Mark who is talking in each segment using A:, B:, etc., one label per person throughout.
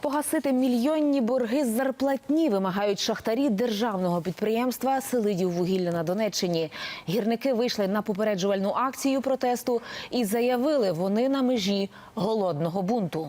A: погасити мільйонні борги з зарплатні вимагають шахтарі державного підприємства «Селидіввугілля» на Донеччині. Гірники вийшли на попереджувальну акцію протесту і заявили, вони на межі голодного бунту.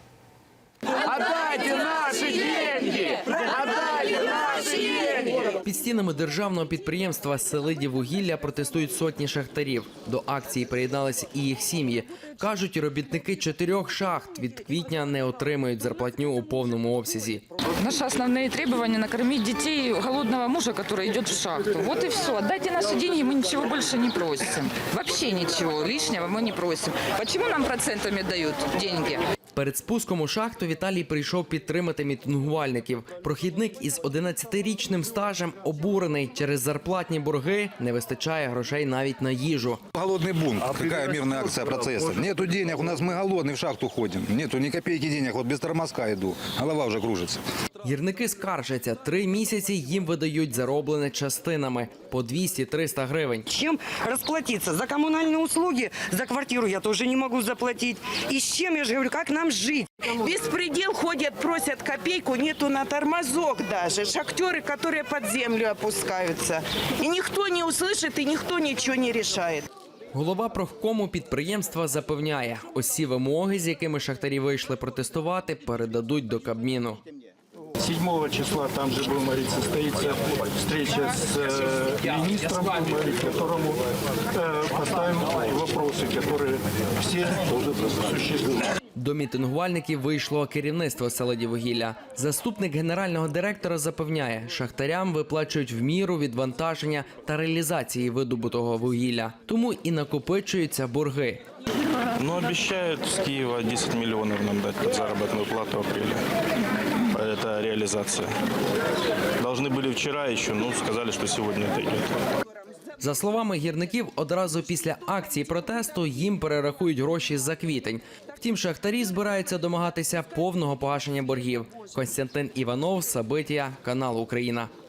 B: Отдайте наші деньги! Отдайте наші деньги!
C: Під стінами державного підприємства «Селидіввугілля» протестують сотні шахтарів. До акції приєдналися і їх сім'ї. Кажуть, робітники 4 шахт від квітня не отримують зарплатню у повному обсязі.
D: Наши основные требования – накормить детей голодного мужа, который идет в шахту. Вот и все. Отдайте наши деньги, мы ничего больше не просим. Вообще ничего лишнего мы не просим. Почему нам процентами дают деньги?
C: Перед спуском у шахту Віталій прийшов підтримати мітингувальників. Прохідник із 11-річним стажем обурений. Через зарплатні борги не вистачає грошей навіть на їжу.
E: Голодный бунт. Какая мирная акция протеста? Нету денег, у нас мы голодные, в шахту ходим. Нету ни копейки денег, вот без тормозка иду. Голова уже кружится.
C: Гірники скаржаться. 3 місяці їм видають зароблене частинами – по 200-300 гривень.
F: Чем расплатиться? За коммунальные услуги, за квартиру я тоже не могу заплатить. И с чем, я же говорю, как нам жить?
G: Беспредел, ходят, просят копейку, нету на тормозок даже. Шахтеры, которые под землю опускаются. И никто не услышит, и никто ничего не решает.
C: Голова профкому підприємства запевняє, усі вимоги, з якими шахтарі вийшли протестувати, передадуть до Кабміну.
H: 7 числа там же, будем говорить, состоится встреча с министром, будем говорить, которому поставим вопросы, которые все существуют.
C: До мітингувальників вийшло керівництво «Селидіввугілля». Заступник генерального директора запевняє, шахтарям виплачують в міру відвантаження та реалізації видобутого вугілля. Тому і накопичуються борги.
H: Но обещают с Киева 10 миллионов нам дать под заработную плату в апреле. Это реализация. Должны были вчера еще, но сказали, что сегодня это идет.
C: За словами гірників, одразу після акції протесту їм перерахують гроші за квітень. Втім, шахтарі збираються домагатися повного погашення боргів. Костянтин Іванов, Сабитія, канал «Україна».